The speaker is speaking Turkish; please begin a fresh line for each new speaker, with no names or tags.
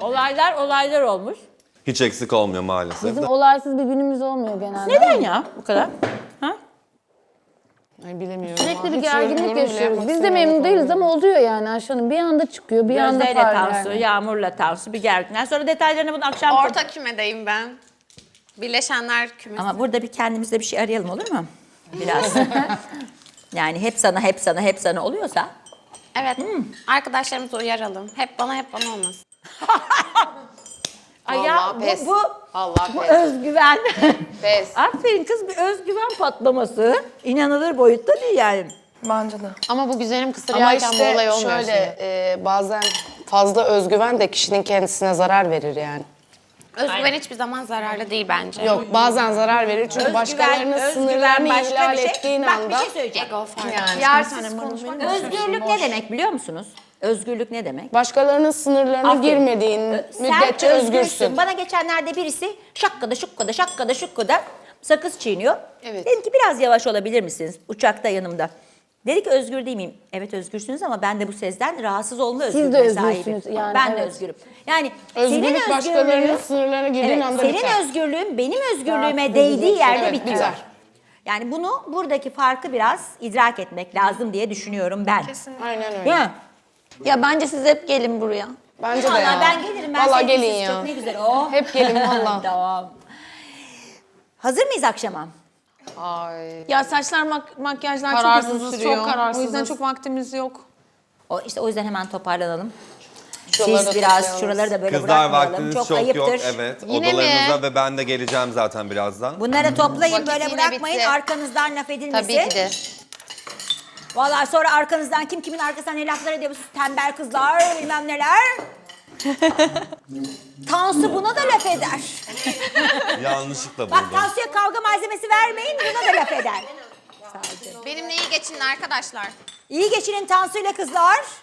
Olaylar olmuş.
Hiç eksik olmuyor maalesef.
Bizim olaysız bir günümüz olmuyor genelde.
Neden ya bu kadar? Ha?
Ay bilemiyorum.
Sürekli bir
Hiç
gerginlik
yorum bile
yaşıyoruz.
yapmak
Biz de
istemiyorum
memnun değiliz
konuda.
ama oluyor yani Ayşe Hanım. Bir anda çıkıyor, bir anda
Gözde'yle
parlıyor.
Tansu,
Yani.
Yağmur'la Tansu bir gerginler. Sonra detaylarını bunu akşam...
Orta kümedeyim ben. Birleşenler kümesi.
Ama burada bir kendimizde bir şey arayalım olur mu? Biraz. Yani hep sana oluyorsa.
Evet. Arkadaşlarımızı uyaralım. Hep bana olmasın.
Ay
Vallahi pes. Vallahi
bu
pes.
özgüven.
Pes.
Aferin kız, bir özgüven patlaması. İnanılır boyutta değil yani.
Bence de.
Ama bu güzelim kısır
Ama
yerken bu
işte
olay olmuyor
şöyle
şimdi.
bazen fazla özgüven de kişinin kendisine zarar verir yani.
Özgüven hiçbir zaman zararlı değil bence.
Yok bazen zarar verir çünkü başkalarının sınırlarını
başka
ihlal
bir şey.
ettiğin
Bak
anda.
bir şey söyleyeceğim.
Ego farkı.
Yani
Yersiz konuşmak.
Özgürlük ne demek biliyor musunuz? Özgürlük ne demek?
başkalarının sınırlarına
Aferin.
girmediğin müddetçe
Sen
özgürsün.
Bana geçenlerde birisi şakkada sakız çiğniyor.
Evet.
Dedim ki biraz yavaş olabilir misiniz? Uçakta yanımda. Dedi ki özgür değil miyim? Evet özgürsünüz ama ben de bu sezden rahatsız olma özgürlüğüne
de
sahibim.
özgürsünüz yani,
Ben de
evet.
özgürüm. Yani
Özgürlük
senin
başkalarının
özgürlüğün,
sınırlarına girdiğin anda
senin
biter.
özgürlüğün benim özgürlüğüme
Rahatsız
değdiği
edecek.
yerde
Evet,
bitiyor.
biter.
Yani buradaki farkı biraz idrak etmek lazım diye düşünüyorum ben.
Aynen öyle.
Değil mi?
Ya bence siz hep gelin buraya.
Bence de
Vallahi
ya.
ben gelirim. Ben
Vallahi
sevgisiz
gelin ya.
çok ne güzel. Oh.
Hep gelin valla.
Tamam. Hazır mıyız akşama?
Ay.
Ya saçlar makyajlar çok
Kararsızız,
uzun sürüyor.
çok kararsızız.
O yüzden çok vaktimiz yok.
O yüzden hemen toparlanalım.
Şuraları
Siz
da
biraz
toplayalım.
şuraları da böyle
Kızlar
bırakmayalım.
vaktiniz
Çok
çok
ayıptır.
yok. Evet.
Yine
Odalarınıza
mi?
ve ben de geleceğim zaten birazdan.
Bunları toplayın
Vakit
böyle
yine
bırakmayın.
bitti.
Arkanızdan laf edilmesin.
Tabii ki de.
Vallahi sonra arkanızdan kim kimin arkasından ne laflar ediyor. Siz tembel kızlar bilmem neler. Tansu buna da laf eder.
Yanlışlıkla
Bak
buldum.
Tansu'ya kavga malzemesi vermeyin buna da laf eder.
Benimle iyi geçinin arkadaşlar.
İyi geçinin Tansu'yla kızlar.